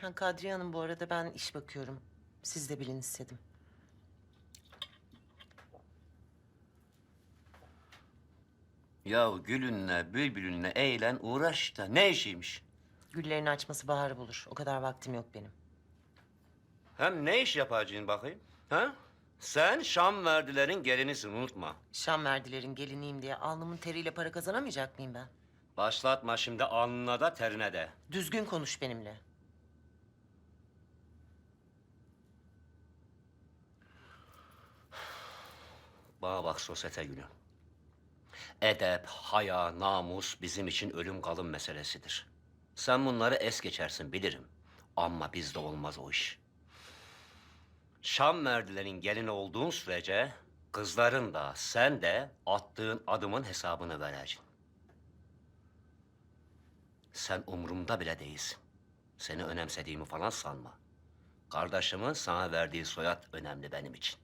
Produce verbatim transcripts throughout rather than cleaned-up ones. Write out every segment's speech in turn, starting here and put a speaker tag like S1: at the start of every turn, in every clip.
S1: Ha, Kadriye Hanım, bu arada ben iş bakıyorum. Siz de bilin istedim.
S2: Ya gülünle, bülbülünle eğlen, uğraş da ne işiymiş?
S1: Güllerin açması baharı bulur. O kadar vaktim yok benim.
S2: Hem ne iş yapacaksın bakayım? Ha? Sen Şam verdilerin gelinisin, unutma.
S1: Şam verdilerin geliniyim diye alnımın teriyle para kazanamayacak mıyım ben?
S2: Başlatma şimdi alnına da terine de.
S1: Düzgün konuş benimle.
S2: Bana bak sosyete günü. Edep, haya, namus bizim için ölüm kalım meselesidir. Sen bunları es geçersin bilirim. Ama bizde olmaz o iş. Şam merdilerin gelini olduğun sürece kızların da sen de attığın adımın hesabını vereceksin. Sen umurumda bile değilsin. Seni önemsediğimi falan sanma. Kardeşimin sana verdiği soyad önemli benim için.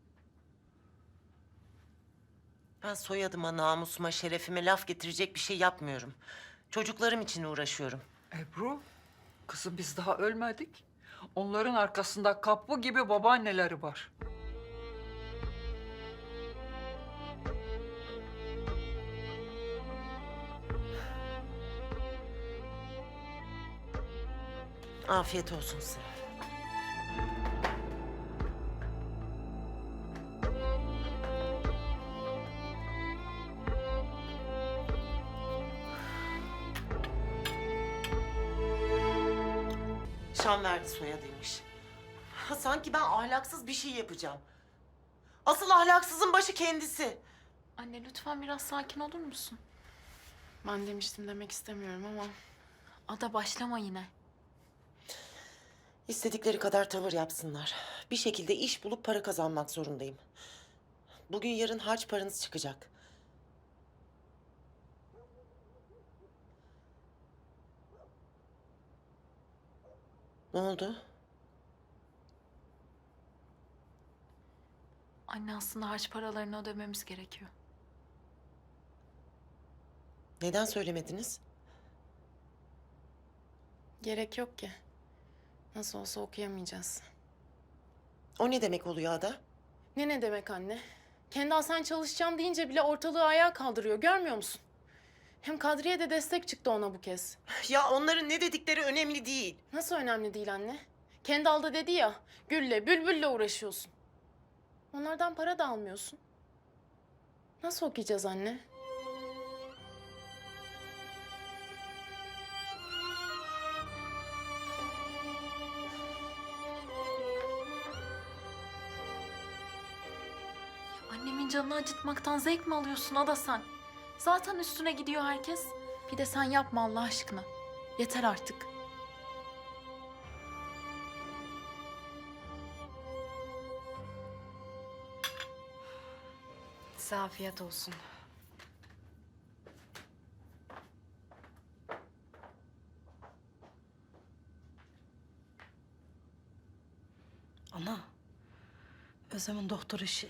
S1: Ben soyadıma, namusuma, şerefime laf getirecek bir şey yapmıyorum. Çocuklarım için uğraşıyorum.
S3: Ebru, kızım biz daha ölmedik. Onların arkasında kapı gibi babaanneleri var.
S1: Afiyet olsun size. Şam verdi soyadıymış. Ha, sanki ben ahlaksız bir şey yapacağım. Asıl ahlaksızın başı kendisi.
S4: Anne lütfen biraz sakin olur musun?
S5: Ben demiştim demek istemiyorum ama
S4: Ada başlama yine.
S1: İstedikleri kadar tavır yapsınlar. Bir şekilde iş bulup para kazanmak zorundayım. Bugün yarın harç paranız çıkacak. Ne oldu?
S4: Anne aslında harç paralarını ödememiz gerekiyor.
S1: Neden söylemediniz?
S5: gerek yok ki. Nasıl olsa okuyamayacağız.
S1: O ne demek oluyor Ada?
S5: Ne ne demek anne? Kendal sen çalışacağım deyince bile ortalığı ayağa kaldırıyor, görmüyor musun? Hem Kadriye de destek çıktı ona bu kez.
S1: Ya onların ne dedikleri önemli değil.
S5: Nasıl önemli değil anne? Kendal da dedi ya, Gül'le, Bülbül'le uğraşıyorsun. Onlardan para da almıyorsun. Nasıl okuyacağız anne?
S4: Annemin canını acıtmaktan zevk mi alıyorsun Ada sen? Zaten üstüne gidiyor herkes. Bir de sen yapma Allah aşkına. Yeter artık.
S5: Size afiyet olsun.
S6: Ana, Özlem'in doktor işi.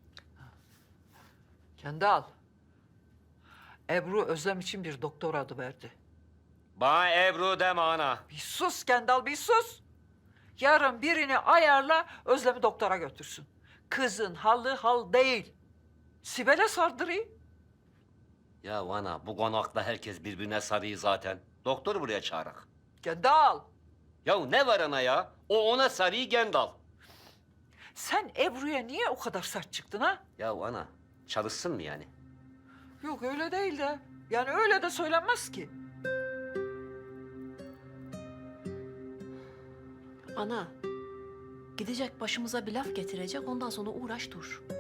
S3: Kendal, Ebru Özlem için bir doktor adı verdi.
S2: Bana Ebru deme ana.
S3: Bir sus Kendal, bir sus. Yarın birini ayarla, Özlem'i doktora götürsün. Kızın halı hal değil. Sibel'e sardırayım.
S2: Ya ana bu konakta herkes birbirine sarıyor zaten. Doktoru buraya çağırak.
S3: Kendal,
S2: Ya ne var ana ya? O ona sarıyı Gendal.
S3: sen Ebru'ya niye o kadar sert çıktın ha?
S2: Ya ana çalışsın mı yani?
S3: Yok öyle değil de. Yani öyle de söylenmez ki.
S6: Ana, gidecek başımıza bir laf getirecek, ondan sonra uğraş dur.